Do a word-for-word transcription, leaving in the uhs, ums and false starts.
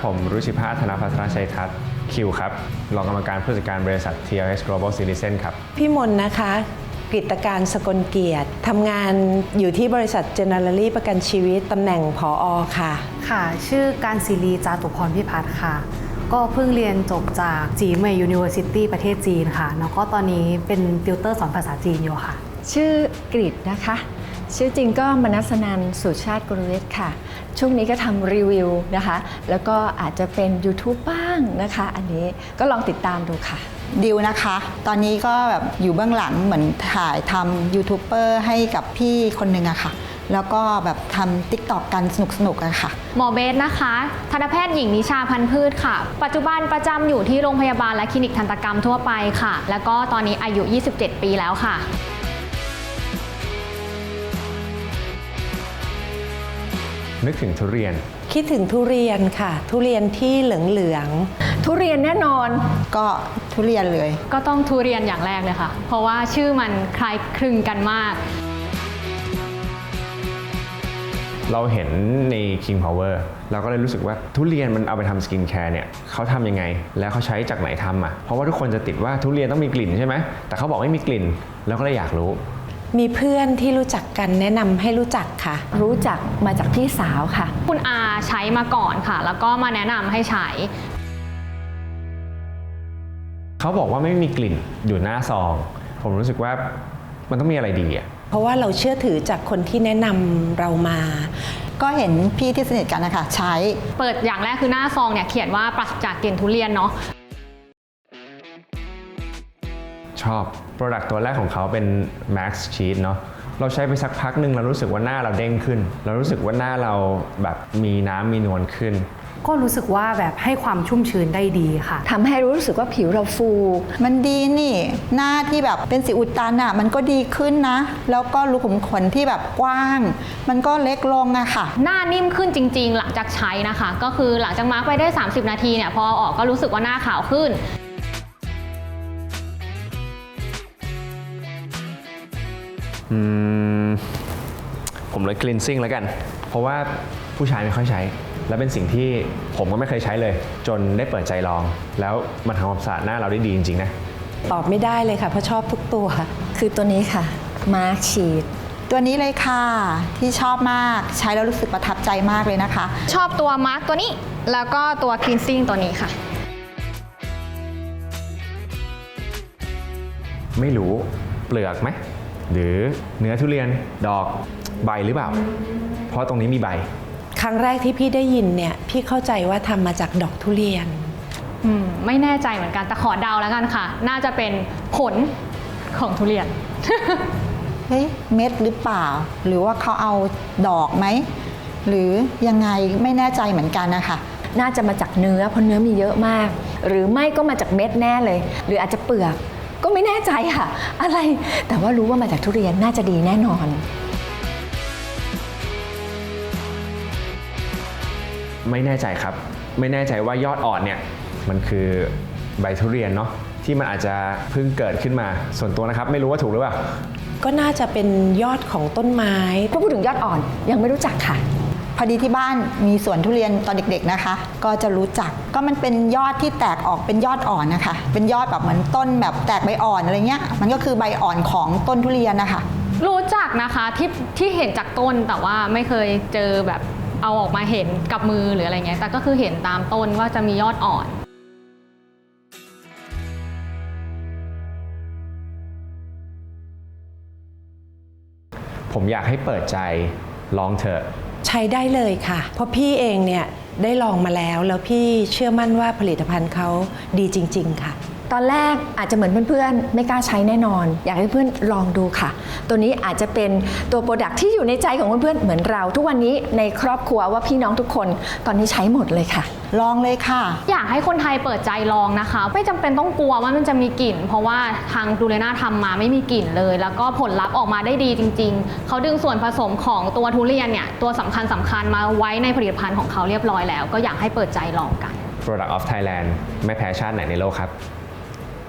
ผมรุชิภาธนภัทรชัยทัศน์คิวครับรองกรรมการผู้จัดการบริษัท ที แอล เอส Global Citizen ครับพี่มนนะคะกฤตการสกลเกียรติทำงานอยู่ที่บริษัท Generali ประกันชีวิตตำแหน่งผอ.ค่ะค่ะชื่อการศิรีจาตุพรพิพัฒน์ค่ะก็เพิ่งเรียนจบจากจีเหมย University ประเทศจีนค่ะแล้วก็ตอนนี้เป็นติวเตอร์สอนภาษาจีนอยู่ค่ะชื่อกฤษนะคะชื่อจริงก็มนัสนันท์สุชาติกุลเวชค่ะช่วงนี้ก็ทำรีวิวนะคะแล้วก็อาจจะเป็น YouTube บ้างนะคะอันนี้ก็ลองติดตามดูค่ะดิวนะคะตอนนี้ก็แบบอยู่เบื้องหลังเหมือนถ่ายทำยูทูบเบอร์ให้กับพี่คนหนึ่งอะค่ะแล้วก็แบบทำ ติ๊กต็อก กันสนุกๆอะค่ะหมอเบสนะคะทันตแพทย์หญิงนิชาพันธุ์พืชค่ะปัจจุบันประจำอยู่ที่โรงพยาบาลและคลินิกทันตกรรมทั่วไปค่ะแล้วก็ตอนนี้อายุยี่สิบเจ็ดปีแล้วค่ะนึกถึงทุเรียนคิดถึงทุเรียนค่ะทุเรียนที่เหลืองๆทุเรียนแน่นอนก็ทุเรียนเลยก็ต้องทุเรียนอย่างแรกเลยค่ะเพราะว่าชื่อมันคล้ายคลึงกันมากเราเห็นใน King Power เราก็เลยรู้สึกว่าทุเรียนมันเอาไปทำสกินแคร์เนี่ยเขาทำยังไงแล้วเขาใช้จากไหนทำอ่ะเพราะว่าทุกคนจะติดว่าทุเรียนต้องมีกลิ่นใช่ไหมแต่เขาบอกไม่มีกลิ่นแล้วก็เลยอยากรู้มีเพื่อนที่รู้จักกันแนะนำให้รู้จักค่ะรู้จักมาจากพี่สาวค่ะคุณอาใช้มาก่อนค่ะแล้วก็มาแนะนำให้ใช้เขาบอกว่าไม่มีกลิ่นอยู่หน้าซองผมรู้สึกว่ามันต้องมีอะไรดีอ่ะเพราะว่าเราเชื่อถือจากคนที่แนะนำเรามาก็เห็นพี่ที่สนิทกันนะคะใช้เปิดอย่างแรกคือหน้าซองเนี่ยเขียนว่าปราศจากกลิ่นทุเรียนเนาะชอบ Product ตัวแรกของเขาเป็น Max Sheet เนาะเราใช้ไปสักพักหนึ่งเรารู้สึกว่าหน้าเราเด้งขึ้นเรารู้สึกว่าหน้าเราแบบมีน้ำมีนวลขึ้นก็รู้สึกว่าแบบให้ความชุ่มชื้นได้ดีค่ะทำให้รู้สึกว่าผิวเราฟูมันดีนี่หน้าที่แบบเป็นสิวอุดตันอ่ะมันก็ดีขึ้นนะแล้วก็รูขุมขนที่แบบกว้างมันก็เล็กลงอะค่ะหน้านิ่มขึ้นจริงๆหลังจากใช้นะคะก็คือหลังจากมาร์กไปได้สามสิบนาทีเนี่ยพอออกก็รู้สึกว่าหน้าขาวขึ้นอืมผมเลย cleansing แล้วกันเพราะว่าผู้ชายไม่ค่อยใช้และเป็นสิ่งที่ผมก็ไม่เคยใช้เลยจนได้เปิดใจลองแล้วมันทำความสะอาดหน้าเราได้ดีจริงๆนะตอบไม่ได้เลยค่ะเพราะชอบทุกตัวคือตัวนี้ค่ะมาร์คชีทตัวนี้เลยค่ะที่ชอบมากใช้แล้วรู้สึกประทับใจมากเลยนะคะชอบตัวมาร์คตัวนี้แล้วก็ตัว cleansing ตัวนี้ค่ะไม่รู้เปลือกไหมหรือเนื้อทุเรียนดอกใบหรือเปล่าเพราะตรงนี้มีใบครั้งแรกที่พี่ได้ยินเนี่ยพี่เข้าใจว่าทำมาจากดอกทุเรียนอืมไม่แน่ใจเหมือนกันแต่ขอเดาแล้วกันค่ะน่าจะเป็นผลของทุเรียนเฮ้ยเม็ดหรือเปล่าหรือว่าเขาเอาดอกไหมหรือยังไงไม่แน่ใจเหมือนกันนะคะน่าจะมาจากเนื้อเพราะเนื้อมีเยอะมากหรือไม่ก็มาจากเม็ดแน่เลยหรืออาจจะเปลือกก็ไม่แน่ใจค่ะอะไรแต่ว่ารู้ว่ามาจากทุเรียนน่าจะดีแน่นอนไม่แน่ใจครับไม่แน่ใจว่ายอดอ่อนเนี่ยมันคือใบทุเรียนเนาะที่มันอาจจะเพิ่งเกิดขึ้นมาส่วนตัวนะครับไม่รู้ว่าถูกหรือเปล่าก็น่าจะเป็นยอดของต้นไม้พอพูดถึงยอดอ่อนยังไม่รู้จักค่ะพอดีที่บ้านมีสวนทุเรียนตอนเด็กๆนะคะก็จะรู้จักก็มันเป็นยอดที่แตกออกเป็นยอดอ่อนนะคะเป็นยอดแบบเหมือนต้นแบบแตกใบอ่อนอะไรเงี้ยมันก็คือใบอ่อนของต้นทุเรียนนะคะรู้จักนะคะที่ที่เห็นจากต้นแต่ว่าไม่เคยเจอแบบเอาออกมาเห็นกับมือหรืออะไรเงี้ยแต่ก็คือเห็นตามต้นว่าจะมียอดอ่อนผมอยากให้เปิดใจลองเถอะใช้ได้เลยค่ะเพราะพี่เองเนี่ยได้ลองมาแล้วแล้วพี่เชื่อมั่นว่าผลิตภัณฑ์เขาดีจริงๆค่ะตอนแรกอาจจะเหมือนเพื่อนๆไม่กล้าใช้แน่นอนอยากให้เพื่อนลองดูค่ะตัวนี้อาจจะเป็นตัวโปรดักที่อยู่ในใจของเพื่อนๆเหมือนเราทุกวันนี้ในครอบครัวว่าพี่น้องทุกคนตอนนี้ใช้หมดเลยค่ะลองเลยค่ะอยากให้คนไทยเปิดใจลองนะคะไม่จำเป็นต้องกลัวว่ามันจะมีกลิ่นเพราะว่าทางดูเลน่าทำมาไม่มีกลิ่นเลยแล้วก็ผลลัพธ์ออกมาได้ดีจริงๆเขาดึงส่วนผสมของตัวทุเรียนเนี่ยตัวสำคัญสำคัญมาไว้ในผลิตภัณฑ์ของเขาเรียบร้อยแล้วก็อยากให้เปิดใจลองกัน Product of Thailand ไม่แพ้ชาติไหนในโลกครับ